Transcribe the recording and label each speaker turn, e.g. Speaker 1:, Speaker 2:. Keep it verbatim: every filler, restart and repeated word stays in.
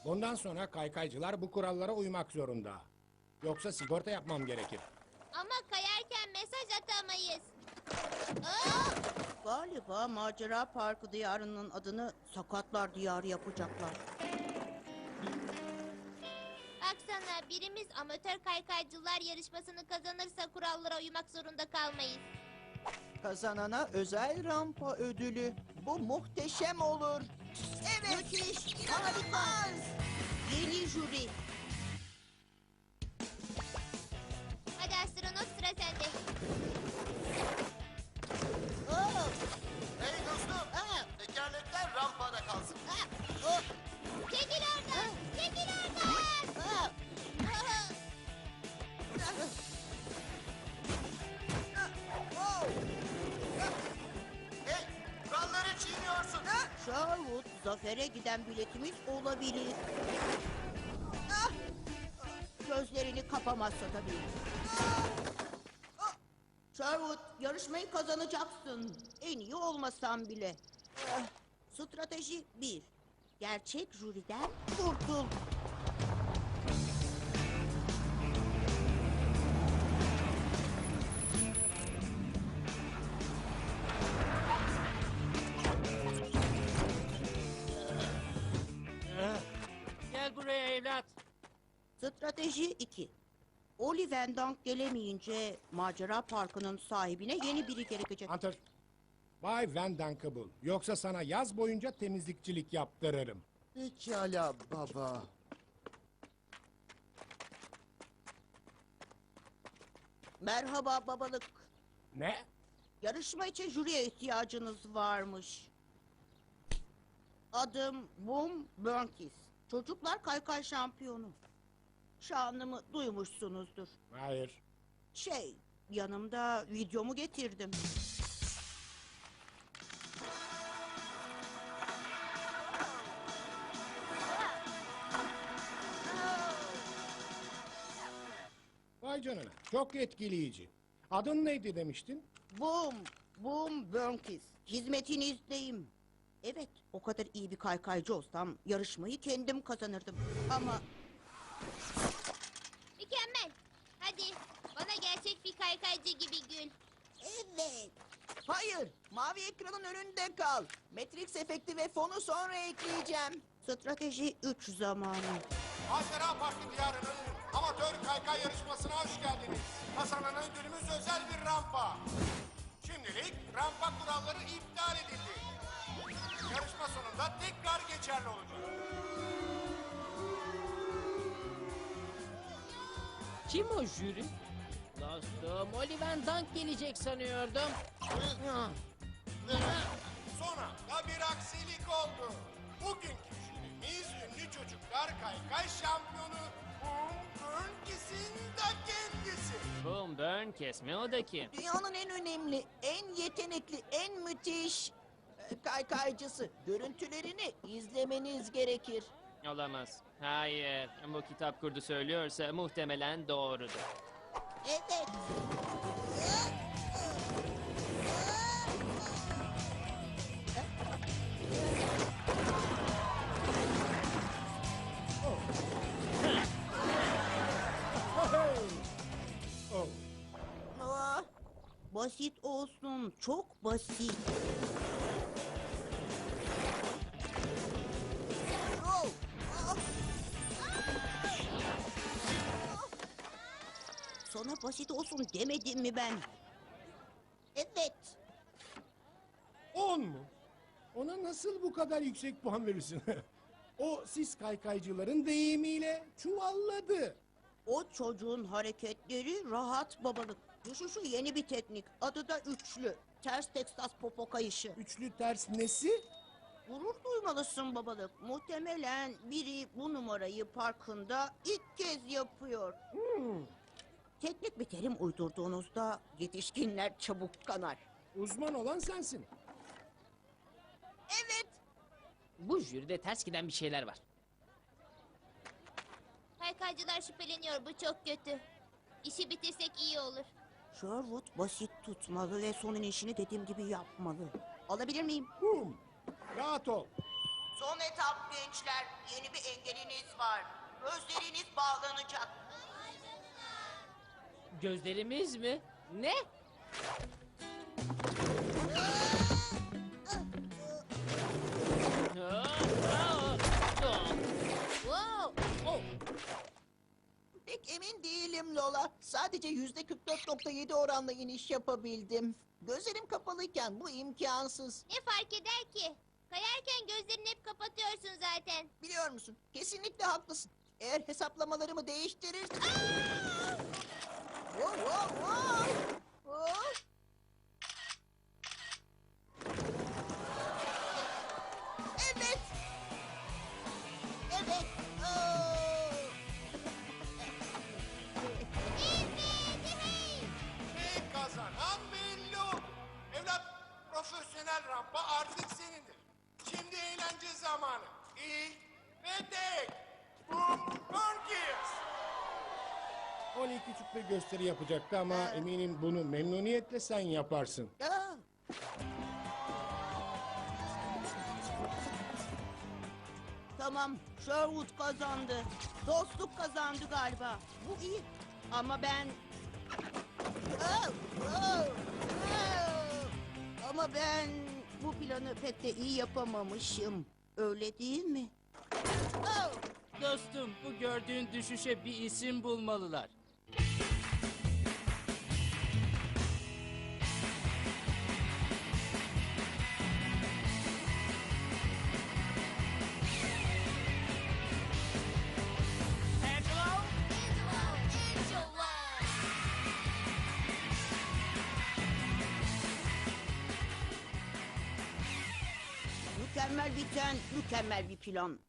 Speaker 1: Bundan sonra kaykaycılar bu kurallara uymak zorunda. Yoksa sigorta yapmam gerekir.
Speaker 2: Ama kayarken mesaj atamayız. Aa!
Speaker 3: Galiba Macera Parkı diyarının adını Sakatlar Diyarı yapacaklar.
Speaker 2: Baksana, birimiz amatör kaykaycılar yarışmasını kazanırsa kurallara uymak zorunda kalmayız.
Speaker 4: Kazanana özel rampa ödülü. Bu muhteşem olur. Evet.
Speaker 3: Müthiş,
Speaker 4: İnanılmaz.
Speaker 3: Yeni jüri.
Speaker 2: Hadi astronot, sıra sende.
Speaker 3: Oh,
Speaker 5: Hey dostum, tekerlekler rampada kalsın.
Speaker 3: oh,
Speaker 2: Çekil oradan! Çekil oradan!
Speaker 3: oh.
Speaker 5: Hey, kuralları çiğniyorsun.
Speaker 3: Sherwood, zafere giden biletimiz olabilir. Ah! Gözlerini kapamazsa tabii. Ah! Ah! Sherwood, yarışmayı kazanacaksın. En iyi olmasan bile. Ah! Strateji bir. Gerçek jüriden kurtul.
Speaker 6: Gel buraya evlat.
Speaker 3: Strateji iki. Oli Van Dunk gelemeyince Macera Parkı'nın sahibine yeni biri gerekecek.
Speaker 1: Hunter, Bay Van Dunk'ı bul. Yoksa sana yaz boyunca temizlikçilik yaptırırım.
Speaker 5: Pekala baba.
Speaker 3: Merhaba babalık.
Speaker 1: Ne?
Speaker 3: Yarışma için jüriye ihtiyacınız varmış. Adım Boom Burnkis. Çocuklar kaykay şampiyonu. Şanımı duymuşsunuzdur.
Speaker 1: Hayır.
Speaker 3: Şey, yanımda videomu getirdim.
Speaker 1: Vay canına. Çok etkileyici. Adın neydi demiştin?
Speaker 3: Boom, Boom Burnkis. Hizmetinizdeyim. Evet, o kadar iyi bir kaykaycı olsam yarışmayı kendim kazanırdım. Ama
Speaker 2: Mükemmel. Hadi, bana gerçek bir kaykaycı gibi gül.
Speaker 3: evet.
Speaker 4: Hayır. Mavi ekranın önünde kal. Matrix efekti ve fonu sonra ekleyeceğim.
Speaker 3: Strateji üç zamanı.
Speaker 1: Macera Parkı diyarının amatör kaykay yarışmasına hoş geldiniz. Kazanan ödülümüz özel bir rampa. Şimdilik rampa kuralları iptal edildi. Yarışma sonunda tekrar geçerli olacak.
Speaker 6: Kim o jüri? Dostum, Oliver Dunk gelecek sanıyordum.
Speaker 1: Sonra da bir aksilik oldu. Bugünkü jürimiz ünlü çocuklar kaykay şampiyonu Boom Burnkis'in da kendisi.
Speaker 6: Boom Burn kesme o da kim?
Speaker 4: Dünyanın en önemli, en yetenekli, en müthiş e, kaykaycısı. Görüntülerini izlemeniz gerekir.
Speaker 6: Olamaz. Hayır, bu kitap kurdu söylüyorsa muhtemelen doğrudur.
Speaker 3: Evet.
Speaker 1: Oh.
Speaker 3: Ah, basit olsun, çok basit. Oh, ah. Sana basit olsun demedim mi ben? Evet.
Speaker 1: On mu? Ona nasıl bu kadar yüksek puan verirsin? O siz kaykaycıların deyimiyle çuvalladı.
Speaker 3: O çocuğun hareketleri rahat babalık. Düşüşü yeni bir teknik. Adı da üçlü. Ters Texas popo kayışı.
Speaker 1: Üçlü ters nesi?
Speaker 3: Gurur duymalısın babalık. Muhtemelen biri bu numarayı parkında ilk kez yapıyor.
Speaker 1: Hmm,
Speaker 3: Teknik bir terim uydurduğunuzda yetişkinler çabuk kanar.
Speaker 1: uzman olan sensin.
Speaker 3: Evet.
Speaker 6: Bu jüride ters giden bir şeyler var.
Speaker 2: Kaykaycılar şüpheleniyor, bu çok kötü. İşi bitirsek iyi olur.
Speaker 3: Sherwood basit tutmalı ve son inişini dediğim gibi yapmalı. Alabilir miyim?
Speaker 1: Boom. Rahat ol.
Speaker 3: Son etap gençler. Yeni bir engeliniz var. Gözleriniz bağlanacak.
Speaker 6: Gözlerimiz mi? Ne? Aa, aa, aa.
Speaker 2: Wow!
Speaker 6: Oh,
Speaker 4: Pek emin değilim Lola. Sadece yüzde kırk dört nokta yedi oranla iniş yapabildim. Gözlerim kapalıyken bu imkansız.
Speaker 2: Ne fark eder ki? Kayarken gözlerini hep kapatıyorsun zaten.
Speaker 4: Biliyor musun? Kesinlikle haklısın. Eğer hesaplamalarımı değiştirir... Wow, wow, wow! Oh! Evet! Evet! Oh!
Speaker 2: Evet, hey!
Speaker 1: Ve kazanan belli. Evlat, profesyonel rampa artık senindir. Şimdi eğlence zamanı. İlk ve tek. Boom Monkeys.
Speaker 7: Oli küçük bir gösteri yapacaktı ama eminim bunu memnuniyetle sen yaparsın.
Speaker 4: Ah!
Speaker 3: Tamam, Sherwood kazandı. Dostluk kazandı galiba. Bu iyi. Ama ben...
Speaker 4: Oh! Oh!
Speaker 3: Aa! Ama ben bu planı pek de iyi yapamamışım. Öyle değil mi?
Speaker 4: Oh!
Speaker 8: Dostum, bu gördüğün düşüşe bir isim bulmalılar.
Speaker 3: Mükemmel biten, mükemmel bir plan.